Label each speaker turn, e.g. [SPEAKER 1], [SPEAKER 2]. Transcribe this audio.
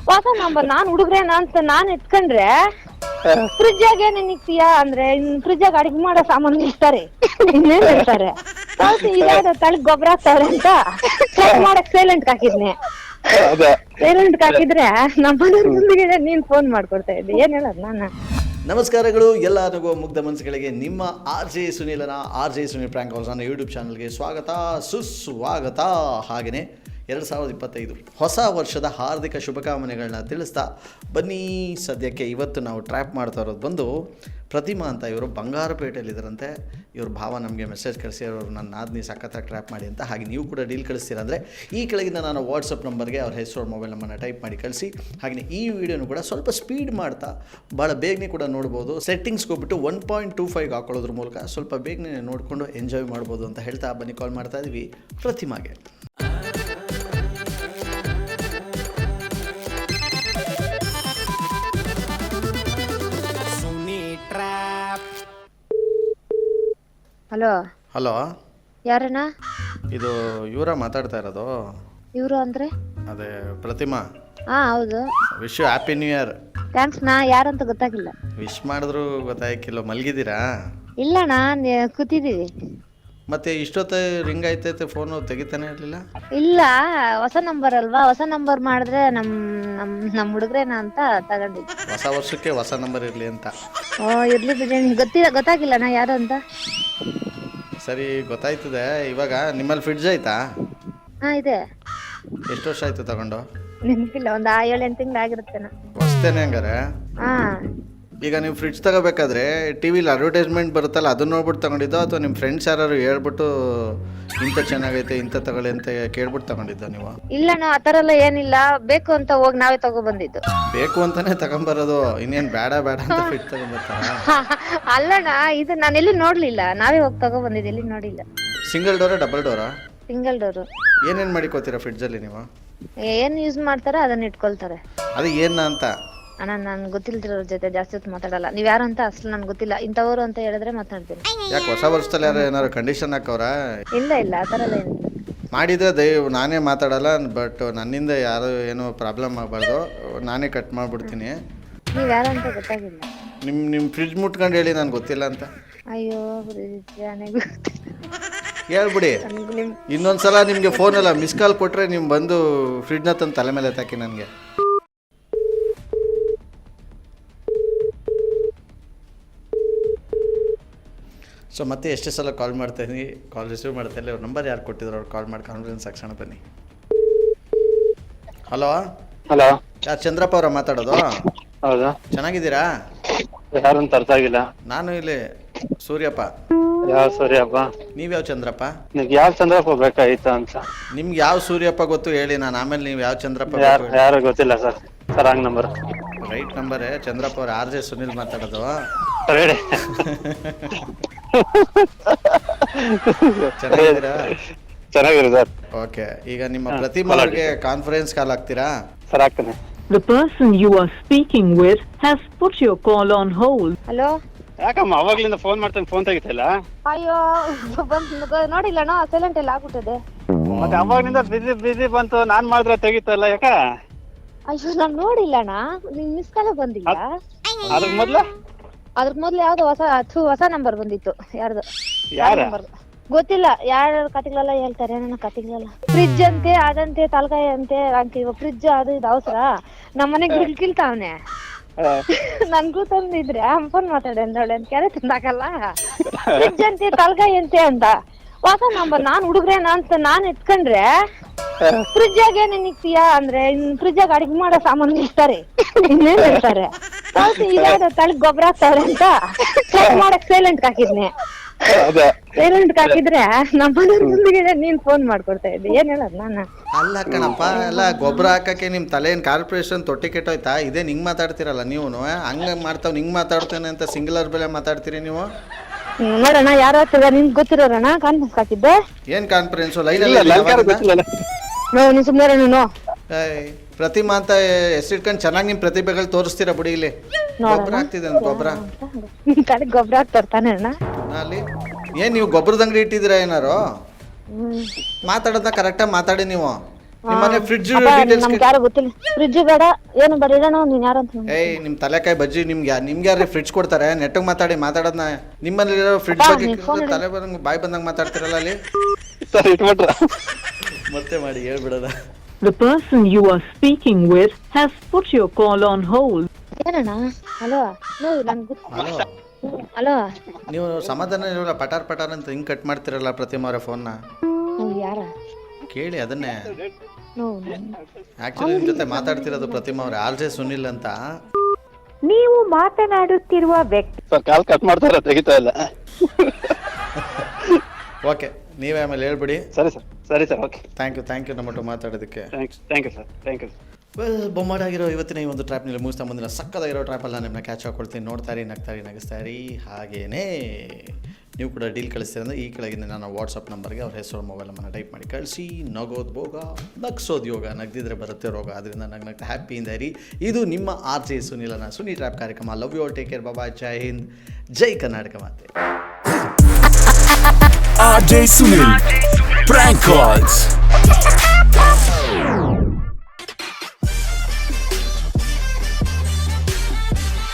[SPEAKER 1] ಹೊಸ ನಂಬರ್ ನಾನ್ ಹುಡುಗ್ರೇನ ಅಂತ ನಾನ್ ಎತ್ಕೊಂಡ್ರೆ ಫ್ರಿಜ್ ಆಗ ಏನೇನ್ ಇಕ್ತೀಯಾ ಅಂದ್ರೆ ಫ್ರಿಜ್ ಆಗ ಅಡಿಗೆ ಮಾಡೋ ಸಾಮಾನು ಇರ್ತಾರೆ ಇನ್ನೇನ್ ಹೇಳ್ತಾರೆ. ಇದಾದ ತಳಗ್ ಗೊಬ್ಬರ ಹಾಕ್ತವ್ರೆ ಅಂತ ಚೆಕ್ ಮಾಡಕ್ ಸೈಲೆಂಟ್ ಹಾಕಿದ್ನೆ. ಸೈಲೆಂಟ್ ಹಾಕಿದ್ರೆ ನಮ್ಮ ಮನೆಯವ್ರ ಮುಂದಿಗೆ ನೀನ್ ಫೋನ್ ಮಾಡ್ಕೊಡ್ತಾ ಇದ್ದೆ. ಏನ್ ಹೇಳೋದು ನಾನು.
[SPEAKER 2] ನಮಸ್ಕಾರಗಳು ಎಲ್ಲ ನಗುವ ಮುಗ್ಧ ಮನಸ್ಸುಗಳಿಗೆ. ನಿಮ್ಮ RJ ಸುನೀಲನ RJ ಸುನೀಲ್ ಪ್ರ್ಯಾಂಕ್ ಕಾಲ್ಸ್ ನನ್ನ ಯೂಟ್ಯೂಬ್ ಚಾನಲ್ಗೆ ಸ್ವಾಗತ ಸುಸ್ವಾಗತ. ಹಾಗೆಯೇ 2025 ಹೊಸ ವರ್ಷದ ಹಾರ್ದಿಕ ಶುಭಕಾಮನೆಗಳನ್ನ ತಿಳಿಸ್ತಾ ಬನ್ನಿ. ಸದ್ಯಕ್ಕೆ ಇವತ್ತು ನಾವು ಟ್ರ್ಯಾಪ್ ಮಾಡ್ತಾ ಇರೋದು ಬಂದು ಪ್ರತಿಮಾ ಅಂತ. ಇವರು ಬಂಗಾರಪೇಟೆಯಲ್ಲಿದ್ದರಂತೆ. ಇವ್ರ ಭಾವ ನಮಗೆ ಮೆಸೇಜ್ ಕಳಿಸಿರೋರು, ನನ್ನ ನಾದಿನಿ ಸಖತ್ತಾಗಿ ಟ್ರ್ಯಾಪ್ ಮಾಡಿ ಅಂತ. ಹಾಗೆ ನೀವು ಕೂಡ ಡೀಲ್ ಕಳಿಸ್ತೀರಂದರೆ ಈ ಕೆಳಗಿನ ನಾನು ವಾಟ್ಸಪ್ ನಂಬರ್ಗೆ ಅವ್ರ ಹೆಸರು ಮೊಬೈಲ್ ನಂಬರ್ನ ಟೈಪ್ ಮಾಡಿ ಕಳಿಸಿ. ಹಾಗೆಯೇ ಈ ವಿಡಿಯೋನು ಕೂಡ ಸ್ವಲ್ಪ ಸ್ಪೀಡ್ ಮಾಡ್ತಾ ಭಾಳ ಬೇಗನೆ ಕೂಡ ನೋಡ್ಬೋದು. ಸೆಟ್ಟಿಂಗ್ಸ್ಗೆ ಹೋಗ್ಬಿಟ್ಟು 1.25 ಹಾಕೊಳ್ಳೋದ್ರ ಮೂಲಕ ಸ್ವಲ್ಪ ಬೇಗನೆ ನೋಡಿಕೊಂಡು ಎಂಜಾಯ್ ಮಾಡ್ಬೋದು ಅಂತ ಹೇಳ್ತಾ ಬನ್ನಿ ಕಾಲ್ ಮಾಡ್ತಾ ಇದ್ವಿ ಪ್ರತಿಮಾಗೆ.
[SPEAKER 1] Hello
[SPEAKER 2] hello,
[SPEAKER 1] ಯಾರಣ್ಣ?
[SPEAKER 2] ಇದು ಇವರ ಮಾತಾಡ್ತಾ ಇರೋದು?
[SPEAKER 1] ಇವರು ಅಂದ್ರೆ
[SPEAKER 2] ಅದೇ ಪ್ರತಿಮಾ.
[SPEAKER 1] ಹಾ ಹೌದು.
[SPEAKER 2] Wish you happy new year.
[SPEAKER 1] Thanks. ನಾ ಯಾರಂತ ಗೊತ್ತಾಗಿಲ್ಲ.
[SPEAKER 2] ವಿಶ್ ಮಾಡಿದ್ರು ಗೊತ್ತಾಗಿಲ್ಲ. ಮಲಗಿದ್ದೀರಾ?
[SPEAKER 1] ಇಲ್ಲಣ್ಣ, ಕೂತಿದ್ದೀವಿ.
[SPEAKER 2] ಮತ್ತೆ ಇಷ್ಟೊತ್ತು ರಿಂಗ್ ಆಯ್ತೈತೆ, ಫೋನು ತೆಗಿತಾನೆ ಇರಲಿಲ್ಲ.
[SPEAKER 1] ಇಲ್ಲ, ಹೊಸ ನಂಬರ್ ಅಲ್ವಾ, ಹೊಸ ನಂಬರ್ ಮಾಡಿದ್ರೆ ನಮ್ ಹುಡುಗ್ರೇನ ಅಂತ ತಗೊಂಡಿದ್ವಿ.
[SPEAKER 2] ಹೊಸ ವರ್ಷಕ್ಕೆ ಹೊಸ ನಂಬರ್ ಇರಲಿ ಅಂತ.
[SPEAKER 1] ಇರ್ಲಿ ಬಿಡಿ, ಗೊತ್ತಾಗಿಲ್ಲ ನಾ ಯಾರು ಅಂತ.
[SPEAKER 2] ಸರಿ, ಗೊತ್ತಾಯ್ತದೆ. ಇವಾಗ ನಿಮ್ಮಲ್ಲಿ ಫ್ರಿಡ್ಜ್ ಆಯ್ತಾ?
[SPEAKER 1] ಹಾ ಇದೆ.
[SPEAKER 2] ಎಷ್ಟು ವರ್ಷ ಆಯ್ತು ತಗೊಂಡು?
[SPEAKER 1] ನೆನಪಿಲ್ಲ, ಒಂದು 7-8 ತಿಂಗಳು ಆಗಿರುತ್ತೇನ.
[SPEAKER 2] ಹೊಸ್ತೇನೆ ಹಂಗಾರೆ.
[SPEAKER 1] ಹಾ.
[SPEAKER 2] ಈಗ ನೀವು ಫ್ರಿಡ್ಜ್ ತಗೋಬೇಕಾದ್ರೆ ಟಿವಿಲಿ ಅಡ್ವರ್ಟೈಸ್ಮೆಂಟ್ ಬರುತ್ತಲ್ಲ, ಅದನ್ನ ನೋಡ್ಬಿಟ್ಟು ತಗೊಂಡಿದ್ದೋ ಅಥವಾ ನಿಮ್ಮ ಫ್ರೆಂಡ್ಸ್ ಯಾರು ಹೇಳ್ಬಿಟ್ಟು ಇಂಥ ಚೆನ್ನಾಗೈತೆ ಇಂಥ ತಗೊಳ್ಳಿ ಅಂತ ಕೇಳ್ಬಿಟ್ಟು ತಗೊಂಡಿದ್ದೋ ನೀವು?
[SPEAKER 1] ಇಲ್ಲಣ್ಣ, ಆ ಥರ ಎಲ್ಲ ಏನಿಲ್ಲ. ಬೇಕು ಅಂತ ಹೋಗಿ ನಾವೇ ತಗೊಬಂದಿದ್ದು.
[SPEAKER 2] ಬೇಕು ಅಂತಾನೆ ತಗೊಂಬರೋದು, ಇನ್ನೇನು ಬೇಡ ಅಂತ ಫ್ರಿಡ್ಜ್ ತಗೊಂಬರ್ತಾರ?
[SPEAKER 1] ಅಲ್ಲಣ್ಣ, ಇದು ನಾನು ಎಲ್ಲಿ ನೋಡ್ಲಿಲ್ಲ, ನಾವೇ ಹೋಗಿ ತಗೊಬಂದಿದ್ದು, ಎಲ್ಲಿ ನೋಡಿಲ್ಲ.
[SPEAKER 2] ಸಿಂಗಲ್ ಡೋರಾ ಡಬಲ್ ಡೋರಾ?
[SPEAKER 1] Single door.
[SPEAKER 2] ಏನೇನು ಮಾಡಿಕೋತೀರಾ ಫ್ರಿಡ್ಜಲ್ಲಿ ನೀವು?
[SPEAKER 1] ಏನ್ ಯೂಸ್ ಮಾಡ್ತಾರ ಅದನ್ನ ಇಟ್ಕೊಳ್ತಾರೆ.
[SPEAKER 2] ಅದು ಏನ ಅಂತ?
[SPEAKER 1] ಅಣ್ಣ, ನನ್ಗೆ ಗೊತ್ತಿಲ್ದಿರೋರ ಜೊತೆ ಜಾಸ್ತಿ ಹೊತ್ತು ಮಾತಾಡಲ್ಲ. ನೀವ್ ಯಾರು ಅಂತ ಅಸಲು ನನ್ಗೆ ಗೊತ್ತಿಲ್ಲ. ಇಂಥವ್ರು ಅಂತ ಹೇಳಿದ್ರೆ ಮಾತಾಡ್ತೀನಿ.
[SPEAKER 2] ಯಾಕೆ ಹೊಸ ವರ್ಷದಲ್ಲಿ ಯಾರು ಏನಾದ್ರು ಕಂಡೀಷನ್ ಹಾಕವ್ರ?
[SPEAKER 1] ಇಲ್ಲ ಇಲ್ಲ, ಆ ಥರ ಎಲ್ಲ ಏನಿಲ್ಲ.
[SPEAKER 2] ಮಾಡಿದ್ರೆ ನಾನೇ ಮಾತಾಡಲ್ಲ, ಬಟ್ ನನ್ನಿಂದ ಯಾರು ಏನೋ ಪ್ರಾಬ್ಲಮ್ ಆಗಬಾರ್ದು, ನಾನೇ ಕಟ್ ಮಾಡಿಬಿಡ್ತೀನಿ.
[SPEAKER 1] ನೀವ್ ಯಾರು ಅಂತ ಗೊತ್ತಾಗಿಲ್ಲ.
[SPEAKER 2] ನಿಮ್ಮ ಫ್ರಿಡ್ಜ್ ಮುಟ್ಕೊಂಡು ಹೇಳಿ, ನಾನು ಗೊತ್ತಿಲ್ಲ ಅಂತ.
[SPEAKER 1] ಅಯ್ಯೋ,
[SPEAKER 2] ಹೇಳ್ಬಿಡಿ. ಇನ್ನೊಂದ್ಸಲ ನಿಮಗೆ ಫೋನಲ್ಲ ಮಿಸ್ ಕಾಲ್ ಕೊಟ್ಟರೆ ನೀವು ಬಂದು ಫ್ರಿಡ್ಜ್ನ ತಂದು ತಲೆ ಮೇಲೆ ತಾಕಿ ನನಗೆ. ಸೊ ಮತ್ತೆ ಎಷ್ಟೇ ಸಲ ಕಾಲ್ ಮಾಡ್ತಾಯಿದ್ದೀನಿ, ಕಾಲ್ ರಿಸೀವ್ ಮಾಡ್ತಾ ಇಲ್ಲ. ಅವ್ರ ನಂಬರ್ ಯಾರು ಕೊಟ್ಟಿದ್ರು ಅವ್ರು ಕಾಲ್ ಮಾಡಿ ಕಾನ್ಫರೆನ್ಸ್ ಹಾಕ್ಸೋಣ ಬನ್ನಿ. ಹಲೋ
[SPEAKER 3] ಹಲೋ,
[SPEAKER 2] ಯಾರು? ಚಂದ್ರಪ್ಪ ಅವರ ಮಾತಾಡೋದು?
[SPEAKER 3] ಹೌದಾ?
[SPEAKER 2] ಚೆನ್ನಾಗಿದ್ದೀರಾ?
[SPEAKER 3] ಯಾರು ಅಂತ ಅರ್ಥ ಆಗಿಲ್ಲ.
[SPEAKER 2] ನಾನು ಇಲ್ಲಿ ಸೂರ್ಯಪ್ಪ.
[SPEAKER 3] ಯಾವ ಸೂರ್ಯಪ್ಪ?
[SPEAKER 2] ನೀವ್ಯಾವ ಚಂದ್ರಪ್ಪ?
[SPEAKER 3] ನಿಮ್ಗೆ ಯಾವ ಚಂದ್ರಪ್ಪ ಬೇಕಾಯ್ತಾ ಅಂತ.
[SPEAKER 2] ನಿಮ್ಗೆ ಯಾವ ಸೂರ್ಯಪ್ಪ ಗೊತ್ತು ಹೇಳಿ, ನಾನು ಆಮೇಲೆ ನೀವು ಯಾವ ಚಂದ್ರಪ್ಪ
[SPEAKER 3] ಯಾರು ಗೊತ್ತಿಲ್ಲ ಸರ್. Wrong number.
[SPEAKER 2] ರೈಟ್ ನಂಬರೇ. ಚಂದ್ರಪ್ಪ ಅವ್ರು RJ ಸುನಿಲ್ ಮಾತಾಡೋದು.
[SPEAKER 3] ಹೇಳಿ.
[SPEAKER 2] ಚೆನ್ನಾಗಿದ್ದೀರಾ?
[SPEAKER 3] ಚೆನ್ನಾಗಿರಿ ಸರ್.
[SPEAKER 2] ಓಕೆ, ಈಗ ನಿಮ್ಮ ಪ್ರತಿಮಾ ಅವ್ರಿಗೆ ಕಾನ್ಫರೆನ್ಸ್ ಕಾಲ್ ಆಗ್ತೀರಾ?
[SPEAKER 3] ಸರ್ ಆಗ್ತಾನೆ.
[SPEAKER 4] The person you are speaking with has put your call on hold.
[SPEAKER 1] Hello.
[SPEAKER 3] ಯಾಕಮ್ಮ ಅವಾಗ್ಲಿಂದ ಫೋನ್ ಮಾಡ್ತಾನೆ, ಫೋನ್ ತೆಗಿತಿಲ್ಲ?
[SPEAKER 1] ಅಯ್ಯೋ, ನೋಡಿಲ್ಲಣ್ಣ, ಸೈಲೆಂಟ್ ಎಲ್ಲ ಆಗ್ಬಿಟ್ಟಿದೆ.
[SPEAKER 3] ಮತ್ತೆ ಅವಾಗ್ಲಿಂದ ಬಿಸಿ ಬಂತು, ನಾನ್ ಮಾಡಿದ್ರೆ ತೆಗಿತಲ್ಲ, ಯಾಕ?
[SPEAKER 1] ಅಯ್ಯೋ, ನಾನ್ ನೋಡಿಲ್ಲಣ್ಣ, ನಿನ್ ಮಿಸ್ ಕಾಲ ಬಂದಿಲ್ಲ. ಅದ್ರ ಮೊದ್ಲು ಯಾವ್ದೋ ಹೊಸ ನಂಬರ್ ಬಂದಿತ್ತು. ಯಾರ್ದು?
[SPEAKER 3] ಯಾರ?
[SPEAKER 1] ಗೊತ್ತಿಲ್ಲ. ಯಾರ ಕತೆಗಳೆಲ್ಲ ಹೇಳ್ತಾರೆ, ನನ್ನ ಕತೆಗಳೆಲ್ಲ. ಫ್ರಿಡ್ಜ್ ಅಂತೆ, ಅದಂತೆ, ತಲಕಾಯಿ ಅಂತೆ ಅಂತ. ಇವಾಗ ಫ್ರಿಡ್ಜ್ ಅದು ಇದು ಅವಸರ. ನಮ್ಮನೆಗೆ ಗಿಲ್ಕಿಲ್ತಾವನೆ. ನನ್ಗೂ ತಂದಿದ್ರೆ ಫೋನ್ ಮಾತಾಡಿ ಅಂದವಳೆ ಅಂತ ಕ್ಯಾರೆ ತಂದಾಕಲ್ಲ. ಫ್ರಿಡ್ಜ್ ಅಂತೆ, ತಲಕಾಯಿ ಅಂತೆ ಅಂತ ಹೊಸ ನಂಬರ್. ನಾನ್ ಹುಡುಗ್ರೇನ ಅಂತ ನಾನ್ ಎತ್ಕೊಂಡ್ರೆ ಫ್ರಿಜ್ ಆಗ ಏನೇನ್ ಇಕ್ತೀಯಾ ಅಂದ್ರೆ ಫ್ರಿಜ್ ಆಗ ಅಡಿಗೆ ಮಾಡೋ ಸಾಮಾನು ಇರ್ತಾರೆ ಇನ್ನೇನ್ ಹೇಳ್ತಾರೆ. ಇದಾದ ತಳಗ್ ಗೊಬ್ಬರ ಹಾಕ್ತವ್ರೆ ಅಂತ ಚೆಕ್ ಮಾಡಕ್ ಸೈಲೆಂಟ್ ಹಾಕಿದ್ನೆ. ಸೈಲೆಂಟ್ ಹಾಕಿದ್ರೆ ನಮ್ಮ ಮನೆಯವ್ರ ಮುಂದಿಗೆ ನೀನ್ ಫೋನ್ ಮಾಡ್ಕೊಡ್ತಾ ಇದ್ದೆ. ಏನ್ ಹೇಳೋದು ನಾನು.
[SPEAKER 2] ಅಲ್ಲ ಕಣಪ್ಪ, ಎಲ್ಲ ಗೊಬ್ಬರ ಹಾಕಕ್ಕೆ ನಿಮ್ಮ ತಲೆ ಏನು ಕಾರ್ಪೊರೇಷನ್ ತೊಟ್ಟಿ ಕೆಟ್ಟೋಯ್ತಾ? ಇದೇ ಹಿಂಗೆ ಮಾತಾಡ್ತಿರಲ್ಲ ನೀವು. ಹಂಗೆ ಮಾಡ್ತಾವ್ ಹಿಂಗೆ ಮಾತಾಡ್ತೇನೆ ಅಂತ ಸಿಂಗ್ಯುಲರ್ ಬೆಲೆ ಮಾತಾಡ್ತೀರಿ ನೀವು.
[SPEAKER 1] ನೋಡೋಣ ಯಾರ ನಿಮ್ಗೆ ಗೊತ್ತಿರೋಣ ಕಾನ್ಫರೆನ್ಸ್ ಹಾಕಿದ್ದೆ.
[SPEAKER 2] ಏನ್ ಕಾನ್ಫರೆನ್ಸ್? ಲೈನ್
[SPEAKER 1] ನೀನ್ ಸುಮ್ಮನೆ ನೋ.
[SPEAKER 2] ಪ್ರತಿಮಾ ಅಂತ ಹೆಸರಿಟ್ಕೊಂಡು ಚೆನ್ನಾಗಿ ನಿಮ್ ಪ್ರತಿಭೆಗಳು ತೋರಿಸ್ತೀರಾ ಬಿಡಿ. ಇಲ್ಲಿ ಗೊಬ್ಬರ ಹಾಕ್ತಿದೆ ಗೊಬ್ಬರ
[SPEAKER 1] ಗೊಬ್ಬರ ಹಾಕ್ತಾರ ತಾನೆ ಅಣ್ಣ.
[SPEAKER 2] ಅಲ್ಲಿ ಏನ್ ನೀವು ಗೊಬ್ಬರದ ಅಂಗಡಿ ಇಟ್ಟಿದ್ದೀರಾ ಏನಾರು? ಮಾತಾಡೋದ ಕರೆಕ್ಟಾಗಿ ಮಾತಾಡಿ ನೀವು. ನಿಮ್ಮನೆ ಫ್ರಿಡ್ಜ್
[SPEAKER 1] ಅಪ್ಪ,
[SPEAKER 2] ಡೀಟೇಲ್ಸ್
[SPEAKER 1] ನಮ್ಗೆ ಯಾರು ಗೊತ್ತಿಲ್ಲ. ಫ್ರಿಡ್ಜ್ ಬೇಡ, ಏನು ಬೇಡ, ಇಡೋಣ. ನೀನ್ ಯಾರಂತ ನಂಗೆ
[SPEAKER 2] ಏಯ್ ನಿಮ್ಮ ತಲೆಕಾಯಿ ಬಜ್ಜಿ ನಿಮ್ಗೆ ಯಾರು ಫ್ರಿಡ್ಜ್ ಕೊಡ್ತಾರೆ? ನೆಟ್ಟಿಗೆ ಮಾತಾಡೋದನ್ನ ನಿಮ್ಮಲ್ಲಿರೋ ಫ್ರಿಡ್ಜ್
[SPEAKER 1] ಅಪ್ಪ,
[SPEAKER 2] ಬಗ್ಗೆ
[SPEAKER 1] ನೀನ್ phone ಇಡು.
[SPEAKER 2] ತಲೆ ಬಂದಂಗೆ ಬಾಯಿ ಬಂದಂಗೆ ಮಾತಾಡ್ತಿರಲ್ಲ ಅಲ್ಲಿ.
[SPEAKER 3] ಸರ್ ಇಟ್ಬಿಟ್ರ
[SPEAKER 2] ಮತ್ತೆ ಮಾಡಿ ಹೇಳ್ಬಿಡೋದ.
[SPEAKER 4] The person you are speaking with has put your call on hold.
[SPEAKER 1] ಏನಣ್ಣ? ಹಲೋ, ನನ್ಗೆ ಗೊತ್ತು.
[SPEAKER 2] ಹಲೋ,
[SPEAKER 1] ಹಲೋ,
[SPEAKER 2] ನೀವು ಸಮಾಧಾನ ಇರೋಲ್ಲ, ಪಟಾರ್ ಅಂತ ಹಿಂಗೆ ಕಟ್ ಮಾಡ್ತಿರಲ್ಲ ಪ್ರತಿಮಾ ಅವರ ಫೋನ್ನ.
[SPEAKER 1] ನೀವು ಯಾರ?
[SPEAKER 2] ಕೇಳಿ ಅದನ್ನೇ.
[SPEAKER 1] ನೋವು
[SPEAKER 2] ಆ್ಯಕ್ಚುಲಿ ನಿಮ್ಮ ಜೊತೆ ಮಾತಾಡ್ತಿರೋದು ಪ್ರತಿಮಾ ಅವ್ರೆ, ಆರ್ ಜೆ ಸುನಿಲ್ ಅಂತ.
[SPEAKER 4] ನೀವು ಮಾತನಾಡುತ್ತಿರುವ ವ್ಯಕ್ತಿ
[SPEAKER 3] ಸರ್ ಕಾಲ್ ಕಟ್ ಮಾಡ್ತಾರ, ತೆಗಿತಾ ಇಲ್ಲ.
[SPEAKER 2] ಓಕೆ, ನೀವೇ ಆಮೇಲೆ ಹೇಳ್ಬಿಡಿ.
[SPEAKER 3] ಸರಿ ಸರ್ ಓಕೆ.
[SPEAKER 2] ಥ್ಯಾಂಕ್ ಯು ನಮ್ಮಟ್ಟು ಮಾತಾಡೋದಕ್ಕೆ.
[SPEAKER 3] Thank you sir.
[SPEAKER 2] ವೆಲ್, ಬೊಮ್ಮಾಡಾಗಿರೋ ಇವತ್ತಿನ ಈ ಒಂದು ಟ್ರ್ಯಾಪ್ನಲ್ಲಿ ಮುಗಿಸ್ತಾ ಮುಂದಿನ ಸಕ್ಕದಾಗಿರೋ ಟ್ರ್ಯಾಪಲ್ಲಿ ನಾನು ನಿಮ್ಮನ್ನ ಕ್ಯಾಚ್ ಹಾಕೊಳ್ತೀನಿ. ನೋಡ್ತಾರಿ, ನಗಿಸ್ತಾರಿ. ಹಾಗೇನೇ ನೀವು ಕೂಡ ಡೀಲ್ ಕಳಿಸ್ತೀರಿ ಅಂದರೆ ಈ ಕೆಳಗಿನ ನನ್ನ ವಾಟ್ಸಪ್ ನಂಬರ್ಗೆ ಅವ್ರ ಹೆಸರು ಮೊಬೈಲ್ ನಮ್ಮನ್ನು ಟೈಪ್ ಮಾಡಿ ಕಳಿಸಿ. ನಗೋದು ಭೋಗ, ನಗ್ಸೋದು ಯೋಗ, ನಗ್ದಿದ್ರೆ ಬರುತ್ತೆ ರೋಗ. ಅದರಿಂದ ನಗ್ನಗ್ತಾ ಹ್ಯಾಪಿಯಿಂದ ಇರಿ. ಇದು ನಿಮ್ಮ ಆರ್ ಜೆ ಸುನಿಲನ ಸುನಿ ಟ್ರ್ಯಾಪ್ ಕಾರ್ಯಕ್ರಮ. Love you all, take care, ಬಾಬಾ, ಜೈ ಹಿಂದ್, ಜೈ ಕರ್ನಾಟಕ ಮಾತೆ.
[SPEAKER 5] RJ Sunil Prank Calls.